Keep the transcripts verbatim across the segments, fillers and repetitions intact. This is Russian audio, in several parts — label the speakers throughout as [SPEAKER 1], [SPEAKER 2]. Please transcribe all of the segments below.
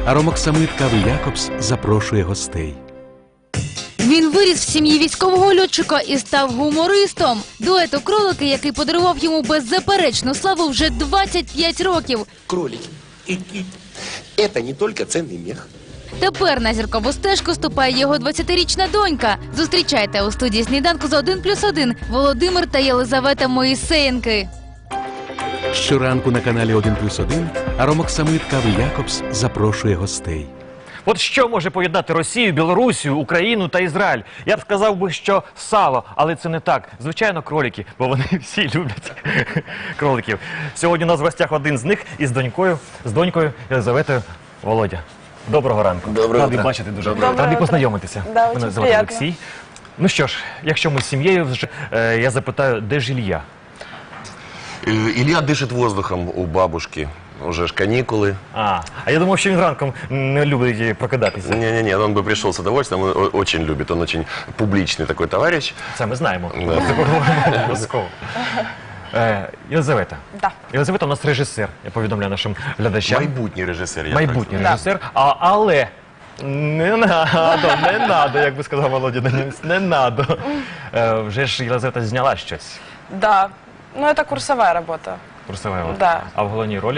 [SPEAKER 1] Аромоксамит Кави Якобс запрошує гостей.
[SPEAKER 2] Він виріс в сім'ї військового льотчика і став гумористом. Дуету «Кролики», який подарував йому беззаперечну славу вже двадцять п'ять років.
[SPEAKER 3] Кролики. Это не только ценный мех.
[SPEAKER 2] Тепер на зіркову стежку ступає його двадцятирічна донька. Зустрічайте у студії «Сніданку» з один плюс один Володимир та Єлизавета Моїсеєнки.
[SPEAKER 1] Щоранку на каналі один плюс один Аромоксамит Кави Якобс запрошує гостей.
[SPEAKER 4] От що може поєднати Росію, Білорусію, Україну та Ізраїль? Я б сказав би, що сало, але це не так. Звичайно, кролики, бо вони всі люблять кроликів. Сьогодні у нас в гостях один з них із донькою, з донькою Єлизаветою. Володя, доброго ранку.
[SPEAKER 3] Доброго
[SPEAKER 4] Радий
[SPEAKER 3] утра.
[SPEAKER 4] бачити дуже.
[SPEAKER 3] Доброго
[SPEAKER 4] Радий
[SPEAKER 5] утра.
[SPEAKER 4] познайомитися.
[SPEAKER 5] Да,
[SPEAKER 4] Мене
[SPEAKER 5] очень
[SPEAKER 4] звати
[SPEAKER 5] приятно.
[SPEAKER 4] Олексій. Ну що ж, якщо ми з сім'єю, вже, е, я запитаю, де ж Ілля?
[SPEAKER 3] Э, Илья дышит воздухом у бабушки. Уже ж каникулы.
[SPEAKER 4] А, а я думав, що він ранком не любить прокидатися.
[SPEAKER 3] Не-не-не, он бы пришел с удовольствием, он о- очень любит, он очень публичный такой товарищ.
[SPEAKER 4] Це ми знаємо.
[SPEAKER 3] Да.
[SPEAKER 4] Це поговоримо обов'язково. Е, Єлизавета.
[SPEAKER 5] Да.
[SPEAKER 4] Єлизавета у нас режисер, я повідомляю нашим глядачам.
[SPEAKER 3] Майбутний режиссер. я
[SPEAKER 4] Майбутній
[SPEAKER 5] Да.
[SPEAKER 4] режисер, а, але не надо, не надо, як би сказав Володя, не, не надо. Е, вже ж Єлизавета зняла щось.
[SPEAKER 5] Да, ну это курсовая работа.
[SPEAKER 4] Курсове.
[SPEAKER 5] Да.
[SPEAKER 4] А в головній ролі?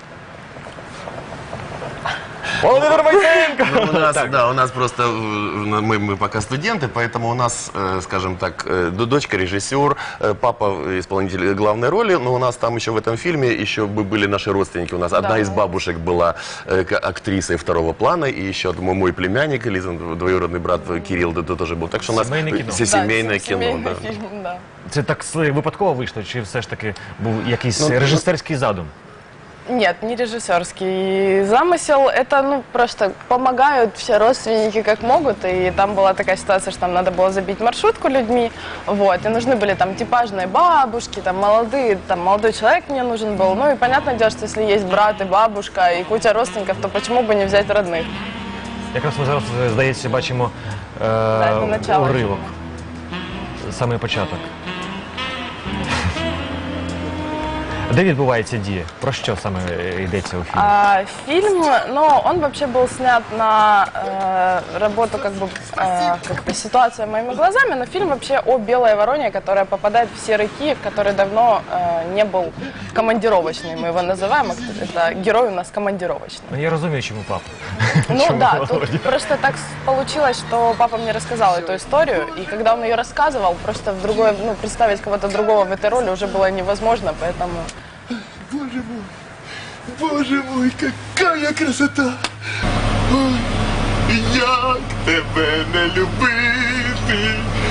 [SPEAKER 4] Володимир Моїсеєнко!
[SPEAKER 3] Ну, у нас,
[SPEAKER 4] Так.
[SPEAKER 3] да, у нас просто, э, мы, мы пока студенты, поэтому у нас, э, скажем так, э, д- дочка режиссер, э, папа исполнитель главной роли, но у нас там еще в этом фильме еще бы были наши родственники. У нас одна
[SPEAKER 5] Да.
[SPEAKER 3] из бабушек была э, к- актрисой второго плана, и еще мой, мой племянник, Лизин, двоюродный брат Кирилл, да, да, тоже был. Так что у нас
[SPEAKER 4] Семейное кино.
[SPEAKER 3] все семейное
[SPEAKER 5] Да,
[SPEAKER 3] кино.
[SPEAKER 5] семейный
[SPEAKER 3] Да.
[SPEAKER 5] фильм, да.
[SPEAKER 4] Це так с- випадково вийшло, чи все ж таки був якийсь
[SPEAKER 3] Ну,
[SPEAKER 4] режисерський задум?
[SPEAKER 5] Нет, не режиссерский замысел. Это, ну, просто помогают все родственники как могут. И там была такая ситуация, что там надо было забить маршрутку людьми. Вот, и нужны были там типажные бабушки, там молодые, там молодой человек мне нужен был. Ну и понятное дело, что если есть брат и бабушка, и куча родственников, то почему бы не взять родных?
[SPEAKER 4] Якраз ми зараз, здається, бачимо е,
[SPEAKER 5] це начало.
[SPEAKER 4] уривок. Саме початок. Де відбувається дія? Про що саме йдеться у фільмі?
[SPEAKER 5] А, фильм, ну, он вообще был снят на э, работу, как бы, э, как-то ситуация моими глазами, но фильм вообще о белой вороне, которая попадает в серый Киев, который давно э, не был командировочный, мы его называем, это герой у нас командировочный.
[SPEAKER 4] Ну, я розумію, чому папа.
[SPEAKER 5] Ну
[SPEAKER 4] Чому
[SPEAKER 5] да,
[SPEAKER 4] Володя?
[SPEAKER 5] тут просто так получилось, что папа мне рассказал эту историю, и когда он ее рассказывал, просто в другое, ну, представить кого-то другого в этой роли уже было невозможно, поэтому...
[SPEAKER 6] Боже мой, боже мой, какая красота! Ой, як тебе не любити,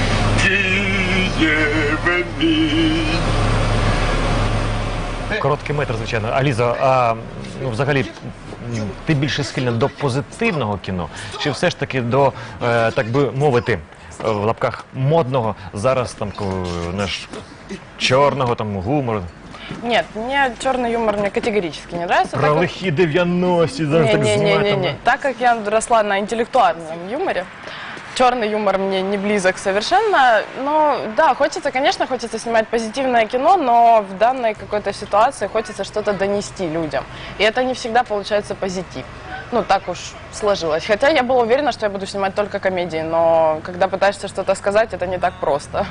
[SPEAKER 6] Києве мій.
[SPEAKER 4] Короткий метр, звичайно. А Ліза, а ну, взагалі, м, ти більше схильна до позитивного кіно, чи все ж таки до, е, так би мовити, е, в лапках модного, зараз там ко- наш чорного там гумору,
[SPEAKER 5] Нет, мне черный юмор мне категорически не нравится. так
[SPEAKER 4] про
[SPEAKER 5] как-
[SPEAKER 4] лихі дев'яності, зараз так знімають.
[SPEAKER 5] Не-не-не-не.
[SPEAKER 4] там.
[SPEAKER 5] Так как я росла на интеллектуальном юморе, черный юмор мне не близок совершенно. Но да, хочется, конечно, хочется снимать позитивное кино, но в данной какой-то ситуации хочется что-то донести людям. И это не всегда получается позитив. Ну, так уж сложилось. Хотя я была уверена, что я буду снимать только комедии, но когда пытаешься что-то сказать, это не так просто.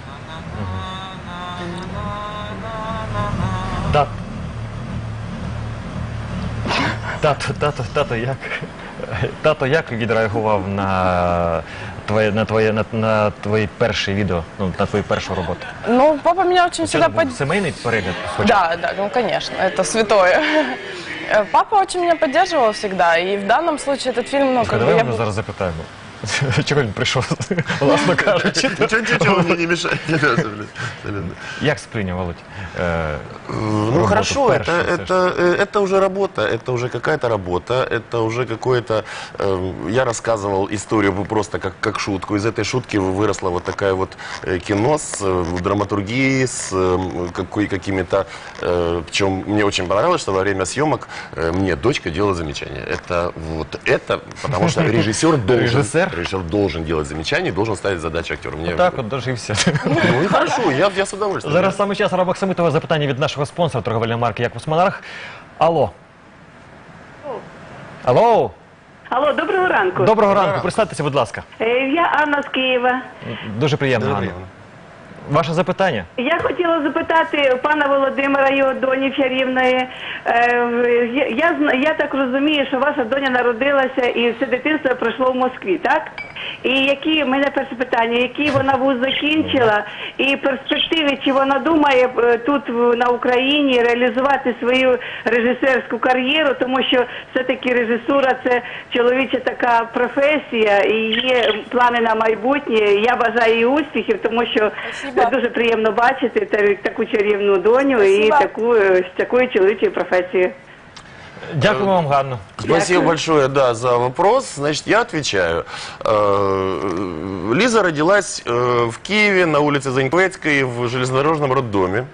[SPEAKER 4] Тат. Тато, тато, тато, як? Тато, як відреагував на твоє, на твоє, на, на твої перші відео, ну, на твою першу роботу?
[SPEAKER 5] Ну, папа меня очень
[SPEAKER 4] Це
[SPEAKER 5] всегда
[SPEAKER 4] був
[SPEAKER 5] поддерживал.
[SPEAKER 4] сімейний перегляд спочатку?
[SPEAKER 5] Да, да, ну конечно, это святое. Э, Папа очень меня поддерживал всегда, и в данном случае этот фильм, ну, как бы
[SPEAKER 4] Давай
[SPEAKER 5] я...
[SPEAKER 4] ми зараз запитаємо. Чого він прийшов, власно кажучи?
[SPEAKER 3] Ничего, ничего, мне не мешает.
[SPEAKER 4] Як сприйняв, Володь? е,
[SPEAKER 3] Ну
[SPEAKER 4] работу
[SPEAKER 3] хорошо,
[SPEAKER 4] першую,
[SPEAKER 3] это,
[SPEAKER 4] все ж
[SPEAKER 3] это, э, это уже работа, это уже какая-то работа, это уже какое-то... э, Я рассказывал историю просто как, как шутку. Из этой шутки выросло вот такая вот э, кино с э, драматургией, с э, какой, какими-то... э, Причем мне очень понравилось, что во время съемок э, мне дочка делала замечания. Это вот это, потому что режиссер должен...
[SPEAKER 4] Режиссер?
[SPEAKER 3] Режиссер должен делать замечания, должен ставить задачи актеру. Мне...
[SPEAKER 4] Так от дожився.
[SPEAKER 3] Ну и хорошо, я, я с удовольствием.
[SPEAKER 4] Зараз саме час Аромоксамитове запитання від нашого спонсора торговельної марки Якобс Монарх. Алло. Алло,
[SPEAKER 7] Алло, доброго ранку.
[SPEAKER 4] доброго ранку, представтеся, будь ласка.
[SPEAKER 7] Е, Я Анна з Києва.
[SPEAKER 4] Дуже приємно,
[SPEAKER 3] Дуже
[SPEAKER 4] Анна.
[SPEAKER 3] приємно.
[SPEAKER 4] Ваше запитання?
[SPEAKER 7] Я хотіла запитати пана Володимира, його доні чарівної. Е, Я, я, зна- я так розумію, що ваша доня народилася і все дитинство пройшло в Москві, так? І які, в мене перше питання, які вона вуз закінчила, і перспективи, чи вона думає е, тут в- на Україні реалізувати свою режисерську кар'єру, тому що все-таки режисура – це чоловіча така професія, і є плани на майбутнє. Я бажаю їй успіхів, тому що
[SPEAKER 5] Спасибо.
[SPEAKER 7] це дуже приємно бачити та- таку чарівну доню і
[SPEAKER 5] Спасибо.
[SPEAKER 7] таку, е, з такою чоловічою професією.
[SPEAKER 4] Дякую вам, Ганно.
[SPEAKER 3] Спасибо большое, да, за вопрос. Значит, я отвечаю. Э, Лиза родилась э, в Киеве на улице Заньковецкой в железнодорожном роддоме.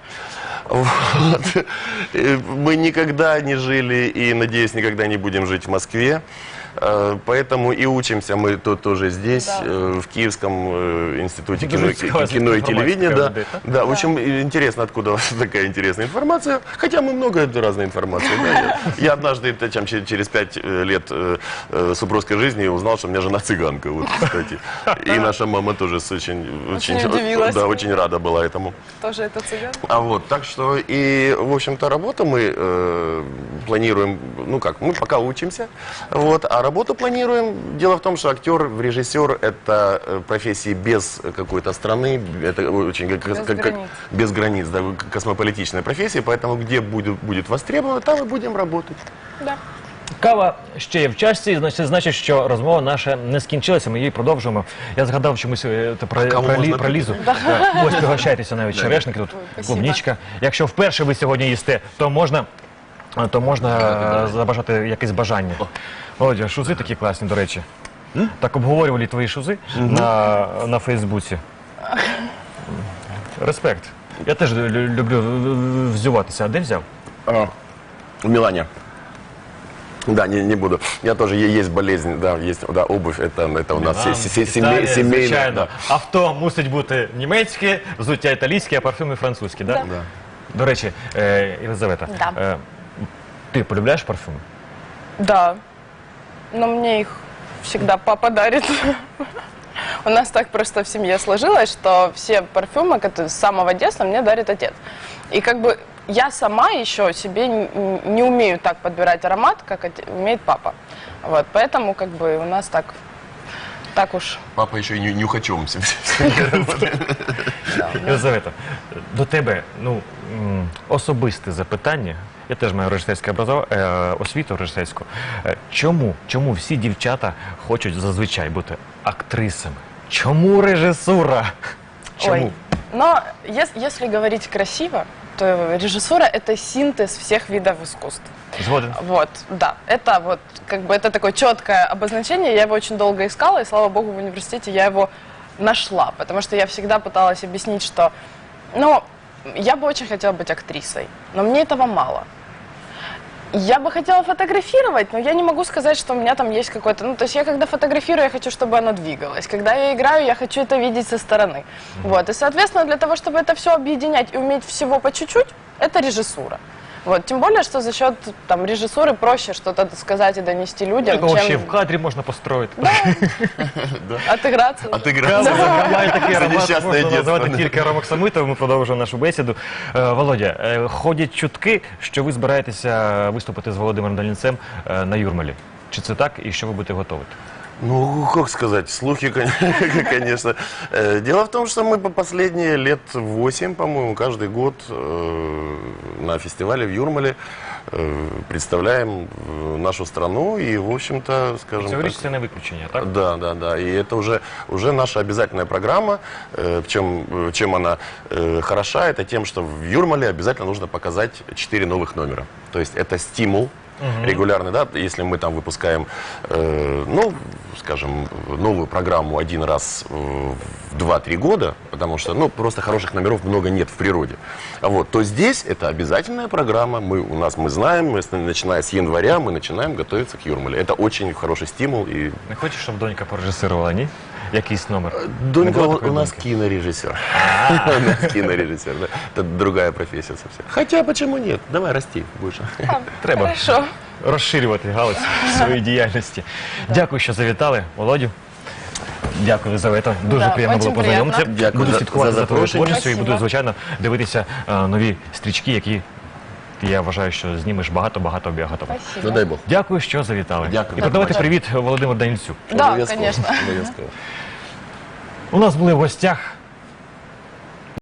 [SPEAKER 3] Вот. Э, Мы никогда не жили и, надеюсь, никогда не будем жить в Москве. Э, Поэтому и учимся мы тут тоже здесь,
[SPEAKER 5] Да.
[SPEAKER 3] э, в Киевском э, институте
[SPEAKER 4] Дуже
[SPEAKER 3] кино,
[SPEAKER 4] цікава
[SPEAKER 3] кино и
[SPEAKER 4] інформація
[SPEAKER 3] телевидения.
[SPEAKER 4] така
[SPEAKER 3] Да,
[SPEAKER 4] людей, так?
[SPEAKER 3] да, очень интересно, откуда у вас такая интересная информация. Хотя мы много разной информации. Да. Я, я однажды, это, чем, че- через пять э, лет э, э, супружеской жизни узнал, что у меня жена цыганка, вот, кстати. И наша мама тоже с очень,
[SPEAKER 5] Очень удивилась.
[SPEAKER 3] да, очень рада была этому.
[SPEAKER 5] Тоже это цыган?
[SPEAKER 3] А вот, так что и, в общем-то, работу мы э, планируем, ну как, мы пока учимся, вот, а работу планируем. Дело в том, что актер, режиссер – это э, профессии без какой-то страны, это очень как,
[SPEAKER 5] Без
[SPEAKER 3] как- как-
[SPEAKER 5] границ.
[SPEAKER 3] без границ, да, космополитичная профессия, поэтому где будет, будет востребовано, там и будем работать.
[SPEAKER 5] Да.
[SPEAKER 4] Кава ще є в чашці, значить, значить, що розмова наша не скінчилася, ми її продовжуємо. Я згадав чомусь е, те про,
[SPEAKER 3] каву
[SPEAKER 4] про, лі-
[SPEAKER 3] можна
[SPEAKER 4] про
[SPEAKER 3] пити?
[SPEAKER 4] Лізу. Так. Ось пригощайтеся навіть черешники, тут
[SPEAKER 5] спасибо.
[SPEAKER 4] клубничка. Якщо вперше ви сьогодні їсте, то можна, то можна е, забажати якесь бажання. Володя, шузи такі класні, до речі. Так обговорювали твої шузи на, на Фейсбуці. Респект. Я теж лю- люблю взюватися. А де взяв?
[SPEAKER 3] А, в Милане. Да, не, не буду. Я тоже, е- есть болезнь, да, есть, да, обувь, это, это у нас се- се- се- семей-
[SPEAKER 4] Італія,
[SPEAKER 3] семейная,
[SPEAKER 4] звичайно.
[SPEAKER 3] да.
[SPEAKER 4] Авто мусить бути німецьке, взуття італійське, а парфюми французькі, да?
[SPEAKER 5] Да.
[SPEAKER 3] Да.
[SPEAKER 4] До речі, е, Єлизавета,
[SPEAKER 5] Да.
[SPEAKER 4] е, ти полюбляєш парфюми?
[SPEAKER 5] Да. Но мне их всегда папа дарит. У нас так просто в семье сложилось, что все парфюмы которые с самого детства мне дарит отец. И как бы я сама еще себе н- не умею так подбирать аромат, как оте- умеет папа. Вот, поэтому как бы у нас так, так уж.
[SPEAKER 3] Папа еще и ню- нюхачом.
[SPEAKER 4] Єлизавета, до тебе ну, м, особисте запитання. Я теж маю режисерське образов... е, освіту режисерську. Е, Чому? Чому всі дівчата хочуть зазвичай бути актрисами? Чому режисура? Чому?
[SPEAKER 5] Ой. Но ес- если говорить красиво, то режиссура – это синтез всех видов искусств.
[SPEAKER 4] Згоден.
[SPEAKER 5] Вот, да, это вот, как бы, это такое четкое обозначение, я его очень долго искала, и, слава богу, в университете я его нашла, потому что я всегда пыталась объяснить, что, ну, я бы очень хотела быть актрисой, но мне этого мало. Я бы хотела фотографировать, но я не могу сказать, что у меня там есть какой-то... Ну, то есть я когда фотографирую, я хочу, чтобы оно двигалось. Когда я играю, я хочу это видеть со стороны. Вот. И, соответственно, для того, чтобы это все объединять и уметь всего по чуть-чуть, это режиссура. Вот. Тем более, что за счет там, режиссуры проще что-то сказать и донести людям,
[SPEAKER 4] Такого ще
[SPEAKER 5] чем
[SPEAKER 4] в кадрі можна построїти.
[SPEAKER 5] отыграться.
[SPEAKER 3] Отыграться.
[SPEAKER 4] Має такий
[SPEAKER 3] За
[SPEAKER 4] аромат,
[SPEAKER 3] нещасне
[SPEAKER 4] можна
[SPEAKER 3] дитинство.
[SPEAKER 4] назвати тільки Ромок Самойтов. Ми продовжуємо нашу бесіду. Е, Володя, е, ходять чутки, що ви збираєтеся виступити з Володимиром Долінцем е, на Юрмалі. Чи це так і що ви будете готувати?
[SPEAKER 3] Ну, как сказать, слухи, кон- конечно. Э, Дело в том, что мы по последние лет восемь, по-моему, каждый год э, на фестивале в Юрмале э, представляем э, нашу страну и, в общем-то, скажем
[SPEAKER 4] Цьогоріч
[SPEAKER 3] так...
[SPEAKER 4] це не виключення, так?
[SPEAKER 3] Да, да, да. И это уже, уже наша обязательная программа. Э, В чем, э, чем она э, хороша, это тем, что в Юрмале обязательно нужно показать четыре новых номера. То есть это стимул регулярный, да, если мы там выпускаем, э, ну, скажем, новую программу один раз э, в два-три года, потому что, ну, просто хороших номеров много нет в природе, а вот, то здесь это обязательная программа, мы, у нас, мы знаем, мы, с- начиная с января, мы начинаем готовиться к Юрмале. Это очень хороший стимул. И
[SPEAKER 4] Не хочеш, щоб донька порежисувала, ні? Якийсь номер?
[SPEAKER 3] Донька
[SPEAKER 4] Не
[SPEAKER 3] у,
[SPEAKER 4] було такої
[SPEAKER 3] у нас
[SPEAKER 4] доньки?
[SPEAKER 3] кинорежиссер. У нас кинорежиссер, да. Это другая профессия совсем. Хотя, почему нет? Давай, расти больше.
[SPEAKER 4] Треба.
[SPEAKER 5] Хорошо.
[SPEAKER 4] розширювати галузь своєї діяльності. Дякую, що завітали, Володю. Дякую, Єлизавета. Дуже
[SPEAKER 5] Да,
[SPEAKER 4] приємно було
[SPEAKER 5] очень
[SPEAKER 4] познайомитися.
[SPEAKER 5] приємно.
[SPEAKER 3] Дякую
[SPEAKER 4] Буду
[SPEAKER 3] за-
[SPEAKER 4] слідкувати
[SPEAKER 3] за
[SPEAKER 4] за твоєю
[SPEAKER 3] запрошення.
[SPEAKER 4] творчістю і буду,
[SPEAKER 5] Спасибо.
[SPEAKER 4] звичайно, дивитися е, нові стрічки, які я вважаю, що знімеш багато-багато біогатово.
[SPEAKER 5] Спасибо.
[SPEAKER 3] Ну дай Бог.
[SPEAKER 4] Дякую, що завітали.
[SPEAKER 3] Дякую.
[SPEAKER 4] І передавайте
[SPEAKER 5] Так,
[SPEAKER 4] привіт Володимиру Данільцю.
[SPEAKER 5] Да,
[SPEAKER 3] Обов'язково.
[SPEAKER 5] конечно.
[SPEAKER 3] Обов'язково.
[SPEAKER 4] У нас були в гостях